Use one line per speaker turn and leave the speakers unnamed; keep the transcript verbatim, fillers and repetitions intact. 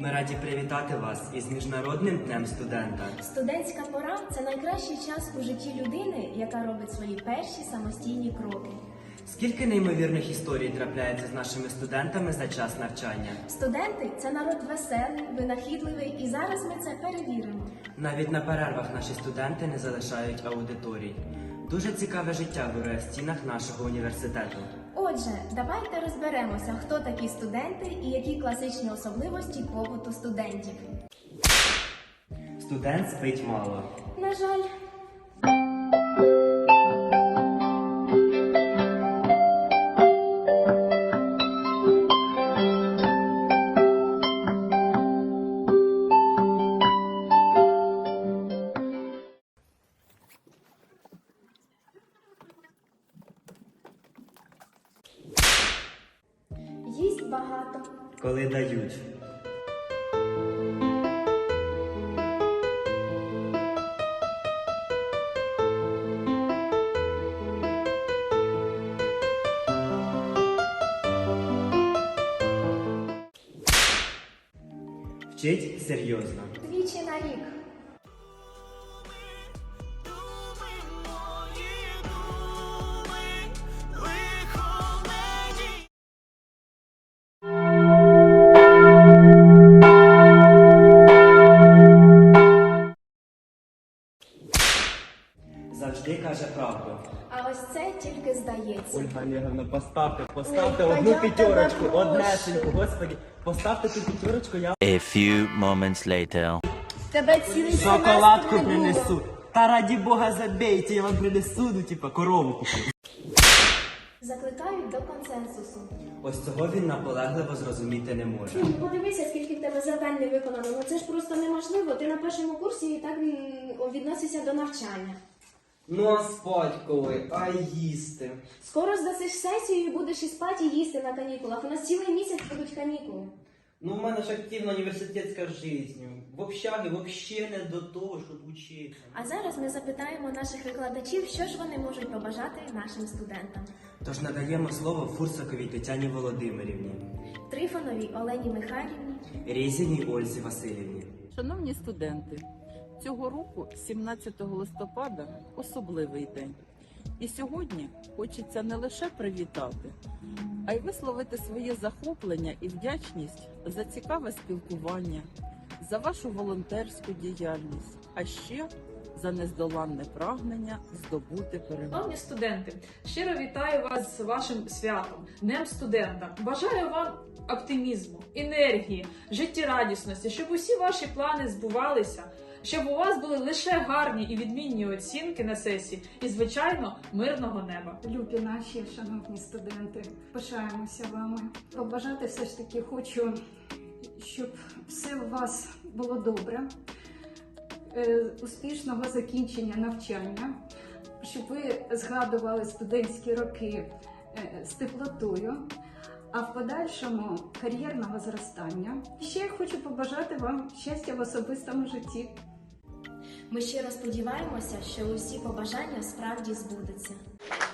Ми раді привітати вас із Міжнародним днем студента.
Студентська пора – це найкращий час у житті людини, яка робить свої перші самостійні кроки.
Скільки неймовірних історій трапляється з нашими студентами за час навчання?
Студенти – це народ веселий, винахідливий, і зараз ми це перевіримо.
Навіть на перервах наші студенти не залишають аудиторій. Дуже цікаве життя вирує в стінах нашого університету.
Отже, давайте розберемося, хто такі студенти і які класичні особливості побуту студентів.
Студент спить мало.
На жаль. Їсть багато.
Коли дають. Вчить серйозно.
Двічі на рік.
Завжди каже правду.
А ось це тільки здається.
Ольга Олеговна, поставте, поставте
Ой,
одну
я тебе
п'ятерочку,
прошу.
однесеньку, господи. Поставте ту п'ятерочку, я
A few moments later.
Тебе цілий
шоколадку
семестр не було.
принесу. Та раді Бога забейте, я вам принесу, ну типа корову куплю.
Закликають до консенсусу.
Ось цього він наполегливо зрозуміти не може.
Ну, подивися, скільки в тебе завдань не виконано. Ну це ж просто неможливо. Ти на першому курсі і так м, відносишся до навчання.
Ну а спать коли, а їсти.
Скоро здасиш сесію і будеш і спати, і їсти на канікулах. У нас цілий місяць будуть канікули.
Ну в мене ж активна університетська життя. В общагі взагалі не до того, щоб учитися.
А зараз ми запитаємо наших викладачів, що ж вони можуть побажати нашим студентам.
Тож надаємо слово Фурсаковій Тетяні Володимирівні,
Трифоновій Олені Михайлівні.
Різіній Ользі Васильівні.
Шановні студенти, цього року, сімнадцятого листопада, особливий день. І сьогодні хочеться не лише привітати, а й висловити своє захоплення і вдячність за цікаве спілкування, за вашу волонтерську діяльність, а ще за нездоланне прагнення здобути перемогу.
Шановні студенти, щиро вітаю вас з вашим святом, Днем студента. Бажаю вам оптимізму, енергії, життєрадісності, щоб усі ваші плани збувалися, щоб у вас були лише гарні і відмінні оцінки на сесії і, звичайно, мирного неба.
Любі наші шановні студенти, пишаємося вами. Побажати все ж таки хочу, щоб все у вас було добре, е, успішного закінчення навчання, щоб ви згадували студентські роки е, з теплотою, а в подальшому кар'єрного зростання. Ще я хочу побажати вам щастя в особистому житті.
Ми щиро сподіваємося, що усі побажання справді збудуться.